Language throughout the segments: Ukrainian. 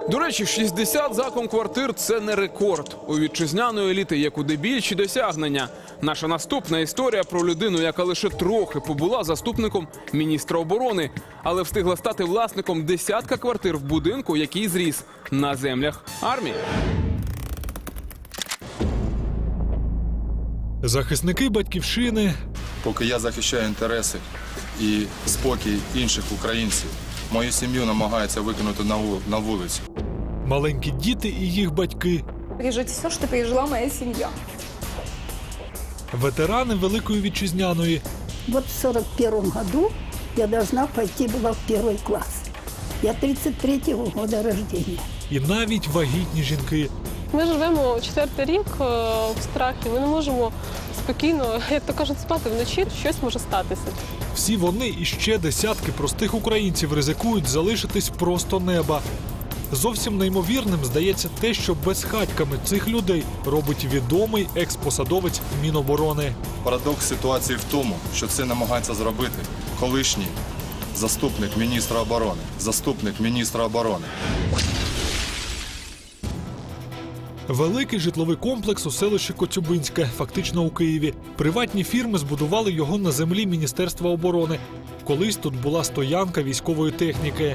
До речі, 60 закон квартир – це не рекорд. У вітчизняної еліти є куди більші досягнення. Наша наступна історія про людину, яка лише трохи побула заступником міністра оборони, але встигла стати власником десятка квартир в будинку, який зріс на землях армії. Захисники батьківщини. Поки я захищаю інтереси і спокій інших українців, мою сім'ю намагаються викинути на вулицю. Маленькі діти і їх батьки. Пережить все, що пережила моя сім'я. Ветерани Великої Вітчизняної. Вот в 41 году я должна пойти была в 1 класс. Я 33-го года рождения. І навіть вагітні жінки. Ми живемо 4-й рік в страхі. Ми не можемо спокійно, як то кажуть, спати вночі. Щось може статися. Всі вони і ще десятки простих українців ризикують залишитись просто неба. Зовсім неймовірним здається те, що безхатьками цих людей робить відомий експосадовець Міноборони. Парадокс ситуації в тому, що це намагається зробити колишній заступник міністра оборони. Заступник міністра оборони. Великий житловий комплекс у селищі Коцюбинське, фактично у Києві. Приватні фірми збудували його на землі Міністерства оборони. Колись тут була стоянка військової техніки.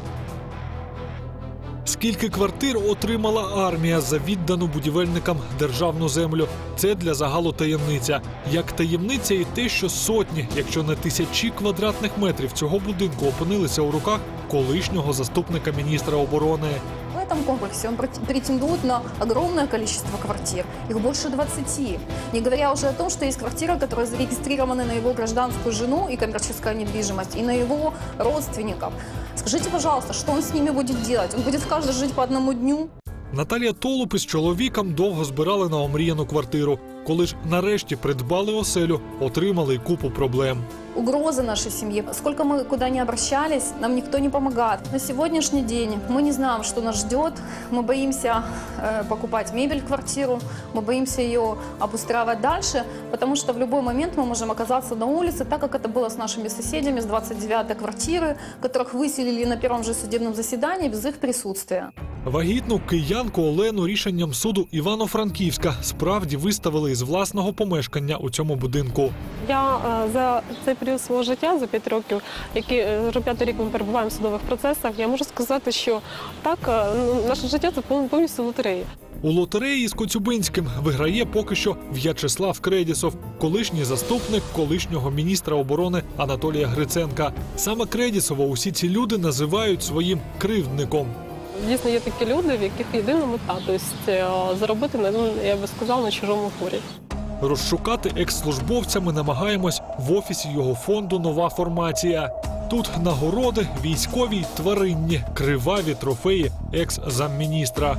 Скільки квартир отримала армія за віддану будівельникам державну землю? Це для загалу таємниця. Як таємниця і те, що сотні, якщо не тисячі квадратних метрів цього будинку опинилися у руках колишнього заступника міністра оборони. В этом комплексе он претендует на огромное количество квартир. Их больше 20. Не говоря уже о том, что есть квартиры, которые зарегистрированы на его гражданскую жену и коммерческая недвижимость, и на его родственников. Скажите, пожалуйста, что он с ними будет делать? Он будет каждый жить по одному дню? Наталія Толуп із чоловіком довго збирали на омріяну квартиру. Коли ж нарешті придбали оселю, отримали купу проблем. Угрозы нашей семье. Сколько мы куда ни обращались, нам никто не помогает. На сегодняшний день мы не знаем, что нас ждет. Мы боимся покупать мебель в квартиру, мы боимся ее обустраивать дальше, потому что в любой момент мы можем оказаться на улице, так как это было с нашими соседями с 29-й квартиры, которых выселили на первом же судебном заседании без их присутствия. Вагітну киянку Олену рішенням суду Івано-Франківська справді виставили із власного помешкання у цьому будинку. Я за цей період свого життя, за 5 років, вже 5-й рік ми перебуваємо в судових процесах, я можу сказати, що так, наше життя – це повністю лотерея. У лотереї з Коцюбинським виграє поки що В'ячеслав Кредісов, колишній заступник колишнього міністра оборони Анатолія Гриценка. Саме Кредісова усі ці люди називають своїм кривдником. Дійсно, є такі люди, в яких єдина мета, тобто заробити, я би сказала, на чужому горі. Розшукати екс-службовця ми намагаємось в офісі його фонду «Нова формація». Тут нагороди військові й тваринні, криваві трофеї екс-замміністра.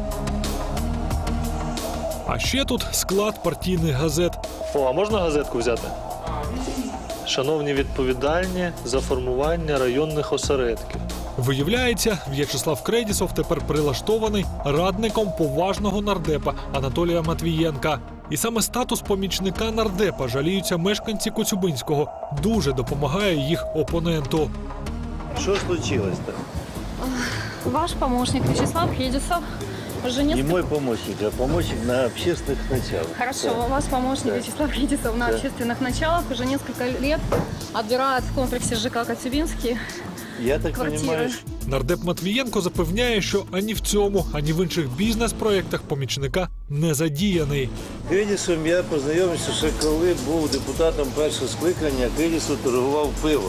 А ще тут склад партійних газет. А можна газетку взяти? Шановні відповідальні за формування районних осередків. Виявляється, В'ячеслав Кредісов тепер прилаштований радником поважного нардепа Анатолія Матвієнка. І саме статус помічника нардепа жаліються мешканці Коцюбинського. Дуже допомагає їх опоненту. Що случилось-то? Ваш помощник Вячеслав Кредісов уже Не мой помощник, а помощник на общественных началах. Хорошо, у вас помощник Вячеслав Кредісов на общественных началах уже несколько лет отбирает в комплексе ЖК Коцюбинский. Я так понимаю. Нардеп Матвієнко запевняє, що ані в цьому, ані в інших бізнес-проєктах помічника не задіяний. Кредісом я познайомився ще коли був депутатом першого скликання, Кредісов торгував пивом.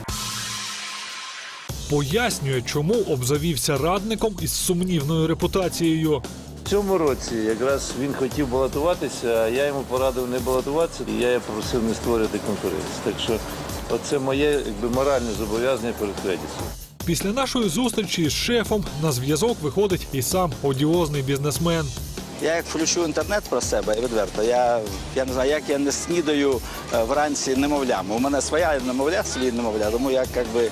Пояснює, чому обзавівся радником із сумнівною репутацією. В цьому році якраз він хотів балотуватися, а я йому порадив не балотуватися, і я попросив не створювати конкуренцію. Так що оце моє моральне зобов'язання перед Кредісом. Після нашої зустрічі з шефом на зв'язок виходить і сам одіозний бізнесмен. Я як включу інтернет про себе, і відверто, я не знаю, як я не снідаю вранці немовлями. У мене своя немовля, свій немовля, тому я якби...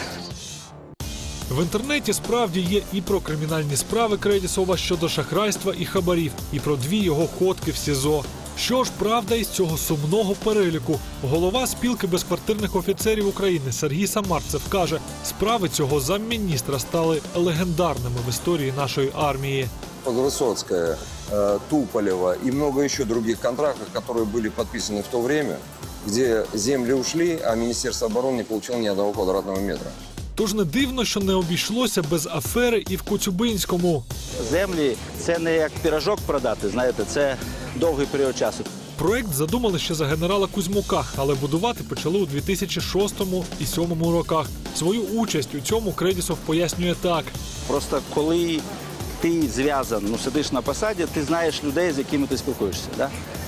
В інтернеті справді є і про кримінальні справи Кредісова щодо шахрайства і хабарів, і про 2 його ходки в СІЗО. Що ж правда із цього сумного переліку? Голова спілки безквартирних офіцерів України Сергій Самарцев каже, справи цього замміністра стали легендарними в історії нашої армії. Высоцкая, Туполева и много еще других контрактов, которые были подписаны в то время, где земли ушли, а Министерство обороны не получило ни одного квадратного метра. Тож не дивно, що не обійшлося без афери і в Коцюбинському. Землі – це не як пірожок продати, знаєте, це довгий період часу. Проект задумали ще за генерала Кузьмука, але будувати почали у 2006 і 2007 роках. Свою участь у цьому Кредісов пояснює так. Просто коли ти зв'язан, сидиш на посаді, ти знаєш людей, з якими ти спілкуєшся. Да?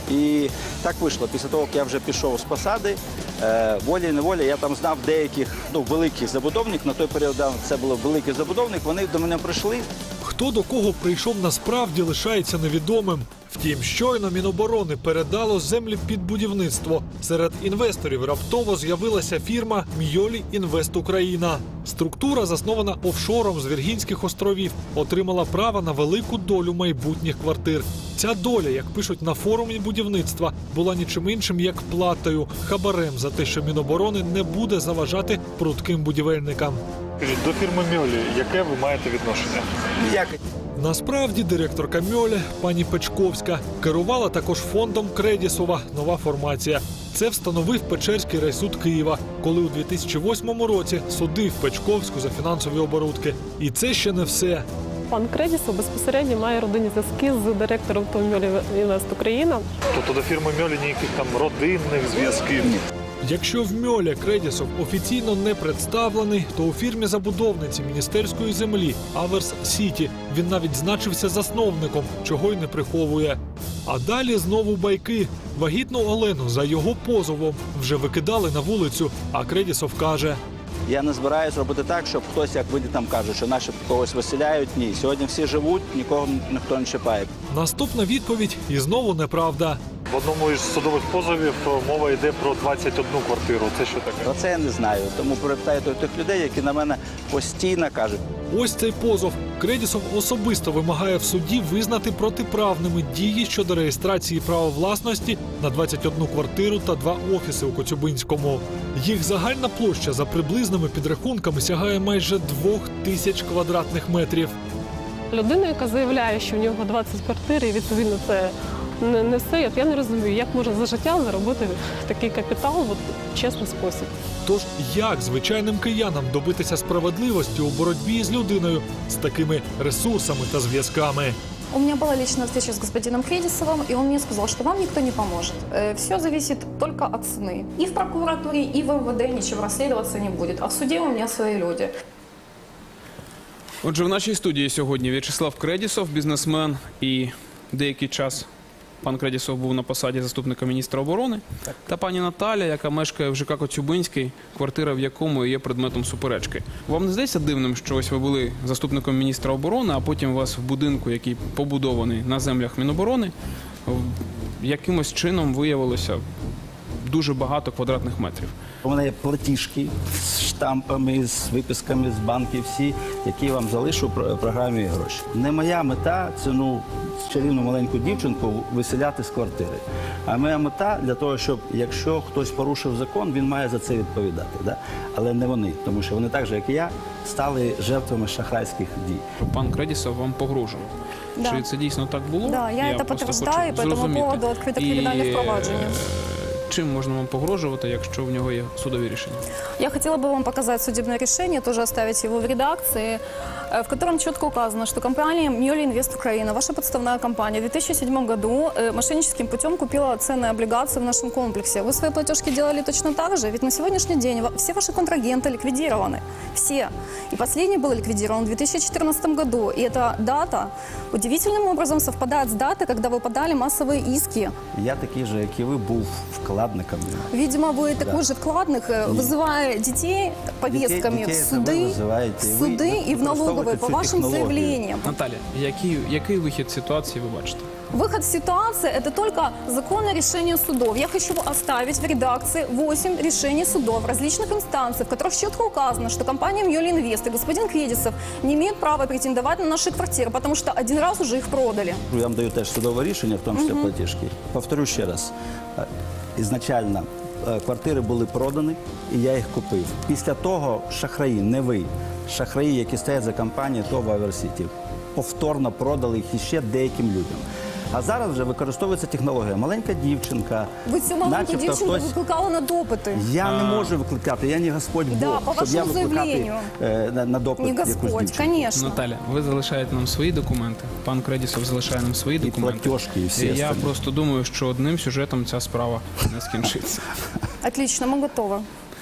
І так вийшло. Після того, як я вже пішов з посади, волі-неволі, я там знав деяких великих забудовників. На той період це був великий забудовник, вони до мене прийшли. Хто до кого прийшов насправді лишається невідомим. Втім, щойно Міноборони передало землі під будівництво. Серед інвесторів раптово з'явилася фірма «Мьолі Інвест Україна». Структура, заснована офшором з Віргінських островів, отримала право на велику долю майбутніх квартир. Ця доля, як пишуть на форумі будівництва, була нічим іншим, як платою, хабарем за те, що Міноборони не буде заважати прудким будівельникам. До фірми Мьолі, яке ви маєте відношення? Ніяке. Насправді директорка Мьолі, пані Печковська, керувала також фондом Кредісова «Нова формація». Це встановив Печерський райсуд Києва, коли у 2008 році судив Печковську за фінансові оборудки. І це ще не все. Пан Кредісов безпосередньо має родинні зв'язки з директором «Мьолі Інвест Україна». Тобто до фірми Мьолі ніяких там родинних зв'язків? Якщо в Мьолі Кредісов офіційно не представлений, то у фірмі забудовниці міністерської землі «Аверс Сіті» він навіть значився засновником, чого й не приховує. А далі знову байки. Вагітну Олену за його позовом вже викидали на вулицю, а Кредісов каже: Я не збираюсь робити так, щоб хтось, як ви там кажуть, що наші когось виселяють. Ні, сьогодні всі живуть, нікого ніхто не чіпає. Наступна відповідь і знову неправда. В одному із судових позовів мова йде про 21 квартиру. Це що таке? Про це я не знаю. Тому перепитайте тих людей, які на мене постійно кажуть. Ось цей позов. Кредісов особисто вимагає в суді визнати протиправними дії щодо реєстрації права власності на 21 квартиру та 2 офіси у Коцюбинському. Їх загальна площа за приблизними підрахунками сягає майже 2000 квадратних метрів. Людина, яка заявляє, що в нього 20 квартир, і відповідно це не все. Я не розумію, як можна за життя заробити такий капітал в чесний спосіб. Тож як звичайним киянам добитися справедливості у боротьбі з людиною з такими ресурсами та зв'язками? У меня была личная встреча с господином Кредисовым, и он мне сказал, что вам никто не поможет. Все зависит только от цены. И в прокуратуре, и в МВД ничего расследоваться не будет. А в суде у меня свои люди. Отже, в нашій студії сьогодні В'ячеслав Кредісов, бізнесмен, і деякий час пан Кредісов був на посаді заступника міністра оборони, та пані Наталя, яка мешкає в ЖК Коцюбинський, квартира в якому є предметом суперечки. Вам не здається дивним, що ось ви були заступником міністра оборони, а потім у вас в будинку, який побудований на землях Міноборони, якимось чином виявилося дуже багато квадратних метрів? У мене є платіжки з штампами, з виписками з банків всі, які я вам залишу в програмі гроші. Не моя мета цю чарівну маленьку дівчинку виселяти з квартири. А моя мета для того, щоб якщо хтось порушив закон, він має за це відповідати. Да? Але не вони, тому що вони так же, як і я, стали жертвами шахрайських дій. Пан Кредісов вам погрожував. Да. Чи це дійсно так було? Да, я это просто подтверждаю, хочу по этому зрозуміти. поводу открыто криминальное впровадження. Чим можна вам погрожувати, якщо в нього є судові рішення? Я хотела бы вам показать судебное решение, тоже оставить его в редакции, в котором четко указано, что компания «Мьолі Інвест Україна», ваша подставная компания, в 2007 году мошенническим путем купила ценные облигации в нашем комплексе. Вы свои платежки делали точно так же, ведь на сегодняшний день все ваши контрагенты ликвидированы. Все. И последний был ликвидирован в 2014 году. И эта дата удивительным образом совпадает с датой, когда вы подали массовые иски. Я такий же, як і ви, був вклад вкладниками. Видимо, вы такой же вкладник, вызывая детей повестками Детей в это вы суды, вызываете, в вы суды и в налоговые по цю вашим технологію. заявлениям. Наталя, який вихід з ситуації ви бачите? Выход из ситуации – это только законное решение судов. Я хочу оставить в редакции 8 решений судов различных инстанций, в которых четко указано, что компания «Мьёли Инвест» и господин Кведисов не имеют права претендовать на наши квартиры, потому что один раз уже их продали. Я вам даю теж судове рішення, в тому числі платіжки. Повторю ще раз. Ізначально квартири були продані, і я їх купив. Після того шахраї, не ви, шахраї, які стоять за компанією ТОВ «Аверсіті», повторно продали їх іще деяким людям. А зараз вже використовується технологія. Маленька дівчинка, Ви цю маленьку начебто дівчинку хтось... викликали на допити. Я не можу викликати, я не Господь Бог, Да, по щоб я вашому викликати заявленню. на допит Не якусь Господь, дівчинку. конечно. Наталя, ви залишаєте нам свої документи, пан Кредісов залишає нам свої документи. платіжки, і всі Я остальні. просто думаю, що одним сюжетом ця справа не скінчиться. Отлично, мы готовы.